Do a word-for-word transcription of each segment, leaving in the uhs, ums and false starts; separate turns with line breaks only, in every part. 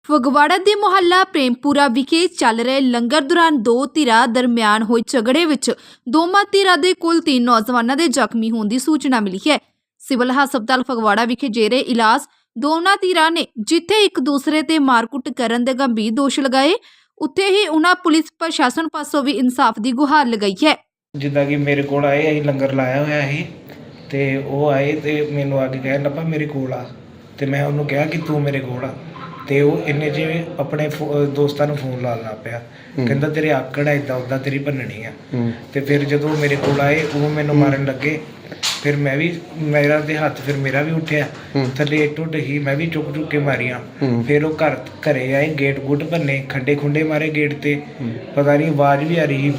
ਫਗਵਾੜਾ ਦੇ ਮੁਹੱਲਾ ਪ੍ਰੇਮਪੁਰਾ ਵਿਖੇ ਚੱਲ ਰਹੇ ਲੰਗਰ ਦੌਰਾਨ ਦੋ ਧਿਰਾਂ ਦਰਮਿਆਨ ਹੋਏ ਝਗੜੇ ਵਿੱਚ ਦੋਵਾਂ ਧਿਰਾਂ ਦੇ ਕੁੱਲ ਤਿੰਨ ਨੌਜਵਾਨਾਂ ਦੇ ਜ਼ਖਮੀ ਹੋਣ ਦੀ ਸੂਚਨਾ ਮਿਲੀ ਹੈ। ਸਿਵਲ ਹਸਪਤਾਲ ਫਗਵਾੜਾ ਵਿਖੇ ਜੇਰੇ ਇਲਾਜ ਦੋਨਾਂ ਧਿਰਾਂ ਨੇ ਜਿੱਥੇ ਇੱਕ ਦੂਸਰੇ ਤੇ ਮਾਰਕੁੱਟ ਕਰਨ ਦੇ ਗੰਭੀਰ ਦੋਸ਼ ਲਗਾਏ, ਉੱਥੇ ਹੀ ਉਹਨਾਂ ਪੁਲਿਸ ਪ੍ਰਸ਼ਾਸਨ ਪਾਸੋਂ ਵੀ ਇਨਸਾਫ ਦੀ ਗੁਹਾਰ ਲਗਾਈ ਹੈ।
ਜਿੱਦਾਂ ਕਿ ਮੇਰੇ ਕੋਲ ਆਏ, ਅਸੀਂ ਲੰਗਰ ਲਾਇਆ ਹੋਇਆ ਸੀ ਤੇ ਉਹ ਆਏ ਤੇ ਮੈਨੂੰ ਆ ਕੇ ਕਹਿਣ ਲੱਗਾ ਮੇਰੇ ਕੋਲ ਆ, ਤੇ ਮੈਂ ਉਹਨੂੰ ਕਿਹਾ ਕਿ ਤੂੰ ਮੇਰੇ ਕੋਲ ਆ, ਤੇ ਉਹ ਇੰਨੇ 'ਚ ਆਪਣੇ ਦੋਸਤਾਂ ਨੂੰ ਫੋਨ ਲਾਉਣ ਲੱਗ ਪਿਆ, ਕਹਿੰਦਾ ਤੇਰੇ ਆਕੜ ਹੈ ਇੱਦਾਂ ਉੱਦਾਂ ਤੇਰੀ ਭੰਨਣੀ ਆ। ਤੇ ਫਿਰ ਜਦੋਂ ਮੇਰੇ ਕੋਲ ਆਏ ਉਹ ਮੈਨੂੰ ਮਾਰਨ ਲੱਗੇ, ਫਿਰ ਮੈਂ ਵੀ ਮੇਰਾ ਦੇ ਹੱਥ ਫਿਰ ਮੇਰਾ ਵੀ ਉੱਠਿਆ ਥੱਲੇ ਇੱਟ ਉੱਟ ਹੀ, ਮੈਂ ਵੀ ਚੁੱਕ ਚੁੱਕ ਕੇ ਮਾਰੀਆਂ। ਫਿਰ ਉਹ ਘਰ ਘਰੇ ਆਏ, ਗੇਟ ਗੁੱਟ ਭੰਨੇ, ਖੱਡੇ ਖੁੰਡੇ ਮਾਰੇ ਗੇਟ ਤੇ, ਪਤਾ ਨਹੀਂ ਆਵਾਜ਼ ਵੀ ਆ ਰਹੀ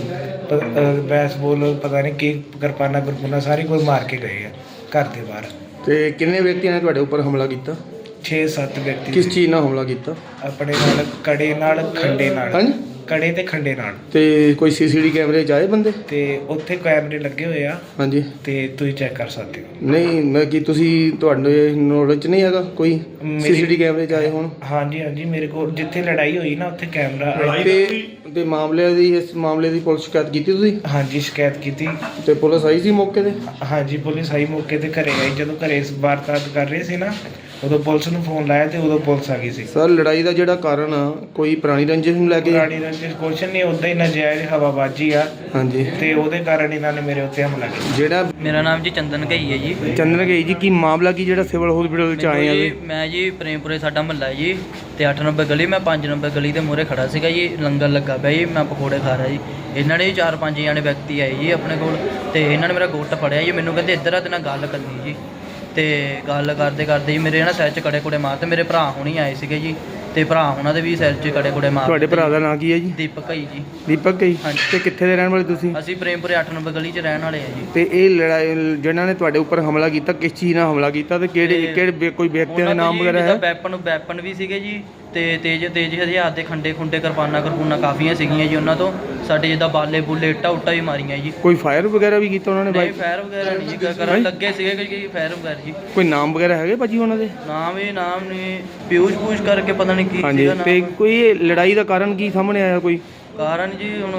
ਬੈਸ ਬੋਲ ਪਤਾ ਨਹੀਂ ਕੀ ਕਿਰਪਾਨਾ ਕਿਰਪਾਨਾ ਸਾਰੀ ਕੋਈ ਮਾਰ ਕੇ ਗਏ ਆ ਘਰ ਦੇ ਬਾਹਰ।
ਤੇ ਕਿੰਨੇ ਵਿਅਕਤੀਆਂ ਨੇ ਤੁਹਾਡੇ ਉੱਪਰ ਹਮਲਾ ਕੀਤਾ?
ਛੇ ਸੱਤ ਵਿਅਕਤੀ।
ਕਿਸ ਚੀਜ਼ ਨਾਲ ਹਮਲਾ ਕੀਤਾ?
ਆਪਣੇ ਨਾਲ ਕੜੇ ਨਾਲ ਖੰਡੇ ਨਾਲ।
ਹਾਂਜੀ,
ਕੜੇ ਤੇ ਖੰਡੇ ਨਾਲ।
ਤੇ ਕੋਈ ਸੀਸੀਟੀਵੀ ਕੈਮਰੇ 'ਚ ਆਏ ਬੰਦੇ?
ਤੇ ਉੱਥੇ ਕੈਮਰੇ ਲੱਗੇ ਹੋਏ ਆ।
ਹਾਂਜੀ,
ਤੇ ਤੁਸੀਂ ਚੈੱਕ ਕਰ ਸਕਦੇ ਹੋ।
ਨਹੀਂ ਮੈਂ ਕੀ ਤੁਸੀਂ ਤੁਹਾਡੇ ਨੌਲੇਜ 'ਚ ਨਹੀਂ ਹੈਗਾ ਕੋਈ ਸੀਸੀਟੀਵੀ ਕੈਮਰੇ 'ਚ ਆਏ ਹੋਣ?
ਹਾਂਜੀ ਹਾਂਜੀ, ਮੇਰੇ ਕੋਲ ਜਿੱਥੇ ਲੜਾਈ ਹੋਈ ਨਾ ਉੱਥੇ ਕੈਮਰਾ।
ਤੇ ਤੇ ਮਾਮਲੇ ਦੀ ਇਸ ਮਾਮਲੇ ਦੀ ਪੁਲਿਸ ਸ਼ਿਕਾਇਤ ਕੀਤੀ ਤੁਸੀਂ?
ਹਾਂਜੀ, ਸ਼ਿਕਾਇਤ ਕੀਤੀ।
ਤੇ ਪੁਲਿਸ ਆਈ ਸੀ ਮੌਕੇ ਤੇ?
ਹਾਂਜੀ, ਪੁਲਿਸ ਆਈ ਮੌਕੇ ਤੇ, ਘਰੇ ਆਈ। ਜਦੋਂ ਘਰੇ ਇਸ ਵਾਰਦਾਤ ਕਰ ਰਹੇ ਸੀ ਨਾ ਉਦੋਂ ਪੁਲਿਸ ਨੂੰ ਫੋਨ ਲਾਇਆ ਤੇ ਉਦੋਂ ਪੁਲਿਸ ਆ ਗਈ ਸੀ।
ਸਰ ਲੜਾਈ ਦਾ ਜਿਹੜਾ ਕਾਰਨ ਆ ਕੋਈ ਪੁਰਾਣੀ ਰੰਜਿਸ਼ ਨੂੰ ਲੈ ਕੇ?
ਪੁਰਾਣੀ ਰੰਜਿਸ਼ ਕੁਛ ਨਹੀਂ, ਉੱਦਾਂ ਹੀ ਨਜਾਇਜ਼ ਹਵਾਬਾਜੀ ਆ। ਹਾਂਜੀ, ਤੇ ਉਹਦੇ ਕਾਰਨ ਇਹਨਾਂ ਨੇ ਮੇਰੇ ਉੱਤੇ ਹਮਲਾ ਕੀਤਾ।
ਜਿਹੜਾ
ਮੇਰਾ ਨਾਮ ਜੀ ਚੰਦਨ ਘਈ ਹੈ ਜੀ।
ਚੰਦਨ ਘਈ ਜੀ, ਕੀ ਮਾਮਲਾ ਕੀ ਜਿਹੜਾ ਸਿਵਲ ਹਸਪੀਟਲ 'ਚ ਆਏ ਆ ਜੀ?
ਮੈਂ ਜੀ ਪ੍ਰੇਮਪੁਰੇ ਸਾਡਾ ਮਹੱਲਾ ਹੈ ਜੀ, ਤੇ ਅੱਠ ਨੰਬਰ ਗਲੀ, ਮੈਂ ਪੰਜ ਨੰਬਰ ਗਲੀ ਦੇ ਮੂਹਰੇ ਖੜਾ ਸੀਗਾ ਜੀ, ਲੰਗਰ ਲੱਗਾ ਪਿਆ ਜੀ, ਮੈਂ ਪਕੌੜੇ ਖਾ ਰਿਹਾ ਜੀ। ਇਹਨਾਂ ਨੇ ਚਾਰ ਪੰਜ ਜਾਣੇ ਵਿਅਕਤੀ ਆਏ ਜੀ ਆਪਣੇ ਕੋਲ, ਤੇ ਇਹਨਾਂ ਨੇ ਮੇਰਾ ਗੁੱਟ ਫੜਿਆ ਜੀ, ਮੈਨੂੰ ਕਹਿੰਦੇ ਇੱਧਰ ਆ ਤੇ ਨਾਲ ਗੱਲ ਕਰਨੀ ਜੀ। ਤੇ ਗੱਲ ਕਰਦੇ ਕਰਦੇ ਜੀ ਮੇਰੇ ਨਾ ਸਿਰ 'ਚ ਕੜੇ ਕੁੜੇ ਮਾਰਤੇ। ਮੇਰੇ ਭਰਾ ਹੁਣੀ ਆਏ ਸੀਗੇ ਜੀ, ਤੇ ਭਰਾ ਉਹਨਾਂ ਦੇ ਵੀ ਸਿਰ 'ਚ ਕੜੇ ਕੁੜੇ ਮਾਰ।
ਤੁਹਾਡੇ ਭਰਾ ਦਾ ਨਾਂ ਕੀ ਹੈ ਜੀ?
ਦੀਪਕ ਘਈ ਜੀ।
ਦੀਪਕ ਘਈ।
ਹਾਂਜੀ।
ਤੇ ਕਿੱਥੇ ਦੇ ਰਹਿਣ ਵਾਲੇ ਤੁਸੀਂ?
ਅਸੀਂ ਪ੍ਰੇਮਪੁਰੇ ਅੱਠ ਨੰਬਰ ਗਲੀ 'ਚ ਰਹਿਣ ਵਾਲੇ ਆ ਜੀ।
ਤੇ ਇਹ ਲੜਾਈ ਜਿਹਨਾਂ ਨੇ ਤੁਹਾਡੇ ਉੱਪਰ ਹਮਲਾ ਕੀਤਾ ਕਿਸ ਚੀਜ਼ ਨਾਲ ਹਮਲਾ ਕੀਤਾ ਤੇ ਕਿਹੜੇ ਕਿਹੜੇ ਕੋਈ ਵਿਅਕਤੀਆਂ ਦੇ ਨਾਮ ਵਗੈਰਾ ਹੈ?
ਵੈਪਨ ਵੈਪਨ ਵੀ ਸੀਗੇ ਜੀ, ਤੇ ਤੇਜ਼ ਤੇਜ਼ ਹਥਿਆਰ ਦੇ ਖੰਡੇ ਖੁੰਡੇ ਕਿਰਪਾਨਾਂ ਕਿਰਪੂਨਾ ਕਾਫੀਆਂ ਸੀਗੀਆਂ ਜੀ ਉਹਨਾਂ ਤੋਂ। ਸਾਡੇ ਜਿੱਦਾਂ ਬਾਲੇ ਬੁੱਲੇ ਇੱਟਾਂ ਉੱਟਾਂ ਵੀ ਮਾਰੀਆਂ ਜੀ।
ਕੋਈ ਫਾਇਰ ਵਗੈਰਾ ਵੀ ਕੀਤਾ ਉਹਨਾਂ ਨੇ?
ਨਹੀਂ, ਫਾਇਰ ਵਗੈਰਾ ਨਹੀਂ ਜੀ ਕਰਨ ਲੱਗੇ ਸੀਗੇ ਕਿ ਫਾਇਰ ਵਗੈਰਾ ਜੀ।
ਕੋਈ ਨਾਮ ਵਗੈਰਾ ਹੈਗੇ ਭਾਜੀ ਉਹਨਾਂ ਦੇ?
ਨਾਮ ਇਹ ਨਾਮ ਨੇ ਪਿਊਸ਼ ਪੂਸ਼ ਕਰਕੇ ਪਤਾ ਨਹੀਂ ਕੀ
ਹਾਂਜੀ।
ਸੀਗਾ
ਤੇ
ਨਾਮ।
ਕੋਈ ਲੜਾਈ ਦਾ ਕਾਰਨ ਕੀ ਸਾਹਮਣੇ ਆਇਆ? ਕੋਈ
ਕਾਰਨ ਜੀ ਹੁਣ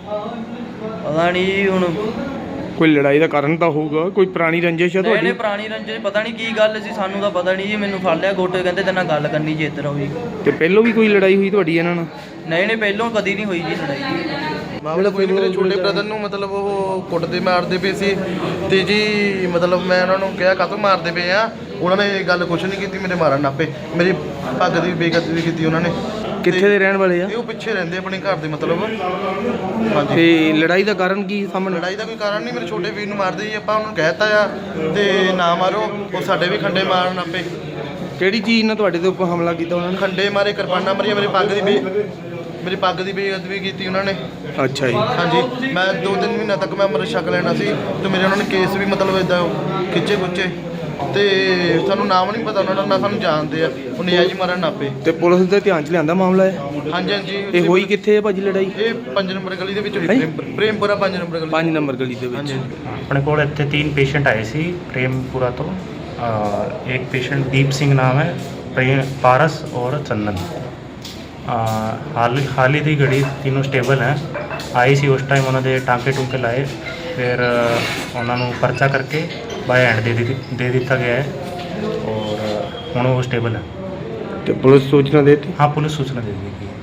ਪਤਾ ਨਹੀਂ ਜੀ, ਹੁਣ
ਕੋਈ ਲੜਾਈ ਦਾ ਕਾਰਨ ਤਾਂ ਹੋਊਗਾ, ਕੋਈ ਪੁਰਾਣੀ ਰੰਜਿਸ਼ ਹੈ
ਨਹੀਂ
ਤੁਹਾਡੀ?
ਨਹੀਂ ਪੁਰਾਣੀ ਰੰਜਿਸ਼ ਪਤਾ ਨਹੀਂ ਕੀ ਗੱਲ ਸੀ, ਸਾਨੂੰ ਤਾਂ ਪਤਾ ਨਹੀਂ ਜੀ। ਮੈਨੂੰ ਫੜ ਲਿਆ ਗੋਟੇ, ਕਹਿੰਦੇ ਤੇਰੇ ਨਾਲ ਗੱਲ ਕਰਨੀ ਜੀ, ਇੱਧਰ ਆਓ ਜੀ।
ਤੇ ਪਹਿਲੋਂ ਵੀ ਕੋਈ ਲੜਾਈ ਹੋਈ ਤੁਹਾਡੀ ਇਹਨਾਂ ਨਾਲ?
ਨਹੀਂ ਨਹੀਂ ਪਹਿਲੋਂ ਕਦੀ ਨਹੀਂ ਹੋਈ ਜੀ ਲੜਾਈ।
ਮਾਮਲਾ ਕੋਈ ਨਹੀਂ, ਮੇਰੇ ਛੋਟੇ ਬ੍ਰਦਰ ਨੂੰ ਮਤਲਬ ਉਹ ਕੁੱਟਦੇ ਮਾਰਦੇ ਪਏ ਸੀ, ਤੇ ਜੀ ਮਤਲਬ ਮੈਂ ਉਹਨਾਂ ਨੂੰ ਕਿਹਾ ਕਾਹਤੋਂ ਮਾਰਦੇ ਪਏ ਆ, ਉਹਨਾਂ ਨੇ ਗੱਲ ਕੁਛ ਨਹੀਂ ਕੀਤੀ, ਮੇਰੇ ਮਾਰਨ ਨਾਪੇ, ਮੇਰੀ ਪੱਗ ਦੀ ਬੇਇੱਜ਼ਤੀ ਵੀ ਕੀਤੀ ਉਹਨਾਂ ਨੇ।
ਕਿੱਥੇ ਦੇ ਰਹਿਣ ਵਾਲੇ ਆ?
ਇਹ ਉਹ ਪਿੱਛੇ ਰਹਿੰਦੇ ਆਪਣੇ ਘਰ ਦੇ ਮਤਲਬ। ਹਾਂਜੀ।
ਤੇ ਲੜਾਈ ਦਾ ਕਾਰਨ ਕੀ ਸਾਹਮਣੇ?
ਲੜਾਈ ਦਾ ਕੋਈ ਕਾਰਨ ਨਹੀਂ, ਮੇਰੇ ਛੋਟੇ ਵੀਰ ਨੂੰ ਮਾਰਦੇ ਜੀ, ਆਪਾਂ ਉਹਨੂੰ ਕਹਿ ਦਿੱਤਾ ਆ ਤੇ ਨਾ ਮਾਰੋ, ਉਹ ਸਾਡੇ ਵੀ ਖੰਡੇ ਮਾਰਨ ਨਾਪੇ।
ਕਿਹੜੀ ਚੀਜ਼ ਨਾਲ ਤੁਹਾਡੇ ਦੇ ਉੱਪਰ ਹਮਲਾ ਕੀਤਾ ਉਹਨਾਂ ਨੇ?
ਖੰਡੇ ਮਾਰੇ, ਕਿਰਪਾਨਾਂ ਮਾਰੀਆਂ, ਮੇਰੀ ਪੱਗ ਦੀ ਬੇ ਮੇਰੀ ਪੱਗ ਦੀ ਬੇਇੱਜ਼ਤੀ ਕੀਤੀ ਉਹਨਾਂ ਨੇ।
ਅੱਛਾ ਜੀ।
ਹਾਂਜੀ, ਮੈਂ ਦੋ ਤਿੰਨ ਮਹੀਨਿਆਂ ਤੱਕ ਮੈਂ ਅੰਮ੍ਰਿਤ ਛਕ ਲੈਣਾ ਸੀ, ਤੇ ਮੇਰੇ ਉਹਨਾਂ ਨੇ ਕੇਸ ਵੀ ਮਤਲਬ ਇੱਦਾਂ ਖਿੱਚੇ ਖੁੱਚੇ, ਤੇ ਸਾਨੂੰ ਨਾਮ ਨਹੀਂ ਪਤਾ ਉਹਨਾਂ ਦਾ, ਨਾ ਸਾਨੂੰ ਜਾਣਦੇ ਆ, ਉਹ ਨਜਾਇਜ਼ ਮਾਰਨ ਨਾਪੇ।
ਤੇ ਪੁਲਿਸ ਦੇ ਧਿਆਨ 'ਚ ਲਿਆਂਦਾ ਮਾਮਲਾ ਹੈ?
ਹਾਂਜੀ ਹਾਂਜੀ।
ਇਹ ਹੋਈ ਕਿੱਥੇ ਹੈ ਭਾਜੀ ਲੜਾਈ?
ਇਹ ਪੰਜ ਨੰਬਰ ਗਲੀ ਦੇ ਵਿੱਚ ਹੋਈ, ਪ੍ਰੇਮ- ਪ੍ਰੇਮਪੁਰਾ ਪੰਜ ਨੰਬਰ ਗਲੀ।
ਪੰਜ ਨੰਬਰ ਗਲੀ ਦੇ ਵਿੱਚ।
ਹਾਂਜੀ।
अपने को इतने तीन पेशेंट आए सी प्रेमपुरा तो आ, एक पेशेंट दीप सिंह नाम है, प्रेम पारस और चंदन। आ, हाल हाल ही दी घड़ी तीनों स्टेबल हैं। आई सी उस टाइम उन्होंने टाँके टूके लाए, फिर उन्होंने परचा करके बाय हैंड दे दी दे दिता गया है और हुण वो स्टेबल है।
ਤੇ ਪੁਲਿਸ ਸੂਚਨਾ ਦੇਤੀ?
हाँ, पुलिस सूचना दे दी गई।